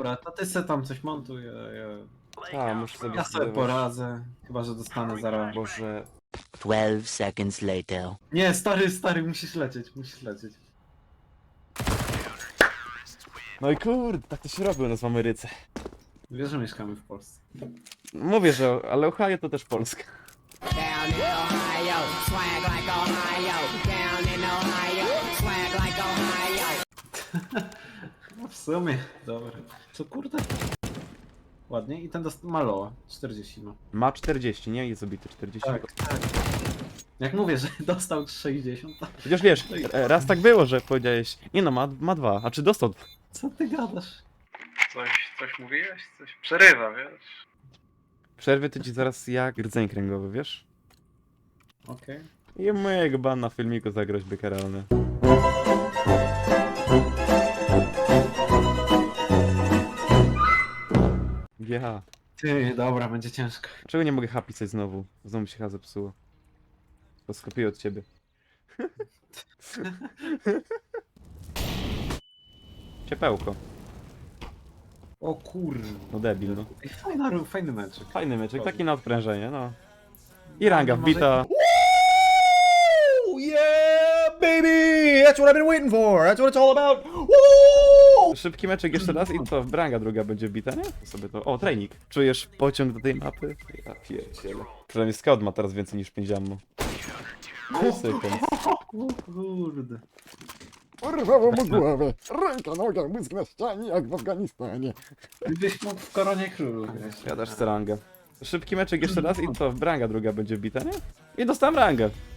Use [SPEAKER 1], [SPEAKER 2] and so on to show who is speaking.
[SPEAKER 1] Dobra, to ty se tam coś montuj,
[SPEAKER 2] Muszę sobie
[SPEAKER 1] ja sobie
[SPEAKER 2] zbudować.
[SPEAKER 1] poradzę. Chyba, że dostanę zaraz.
[SPEAKER 2] Boże.
[SPEAKER 3] 12 seconds later.
[SPEAKER 1] Nie, stary, musisz lecieć.
[SPEAKER 2] No i kurde, tak to się robi u nas w Ameryce.
[SPEAKER 1] Wiesz, że mieszkamy w Polsce.
[SPEAKER 2] Mówię, że ale Ohio to też Polska.
[SPEAKER 4] Down in Ohio, swag like Ohio. Down in Ohio, swag like Ohio.
[SPEAKER 1] No w sumie, dobra. Co kurde? Ładnie i ten Maloa, 40 ma.
[SPEAKER 2] Ma 40, nie? Jest obity 40.
[SPEAKER 1] Tak. Jak mówię, że dostał 60, to
[SPEAKER 2] Chociaż wiesz, raz tak było, że powiedziałeś, nie no, ma 2, a czy dostał?
[SPEAKER 1] co ty gadasz? Coś mówiłeś? Coś przerywa, wiesz?
[SPEAKER 2] Przerwy to ci zaraz jak rdzeń kręgowy, wiesz?
[SPEAKER 1] Okej.
[SPEAKER 2] I mojego ban na filmiku za groźby karalne. Ja.
[SPEAKER 1] Ty, dobra, będzie ciężko.
[SPEAKER 2] Czego nie mogę hapisać znowu? Znowu mi się chyba zepsuło. To skopiuję od ciebie. Ciepełko.
[SPEAKER 1] O kurde.
[SPEAKER 2] No debil, no.
[SPEAKER 1] Ej, fajny meczek.
[SPEAKER 2] Fajny meczek, taki na odprężenie, no. I ranga wbita.
[SPEAKER 5] Ooh, yeah, baby! That's what I've been waiting for. That's what it's all about. Woo!
[SPEAKER 2] Szybki meczek jeszcze raz i co? Branga druga będzie wbita, nie? To sobie to... O, trening. Czujesz pociąg do tej mapy? Ja pierdzielę. Przynajmniej scout ma teraz więcej niż 5 ammo. No i sekund.
[SPEAKER 1] O kurde.
[SPEAKER 5] Urwało mu głowę. Ręka, noga, mózg na ścianie, jak w Afganistanie.
[SPEAKER 1] Gdybyś mógł w koronie królu, wiesz.
[SPEAKER 2] Ja też chcę rangę. Szybki meczek jeszcze raz i co? Branga druga będzie wbita, nie? I dostałem rangę.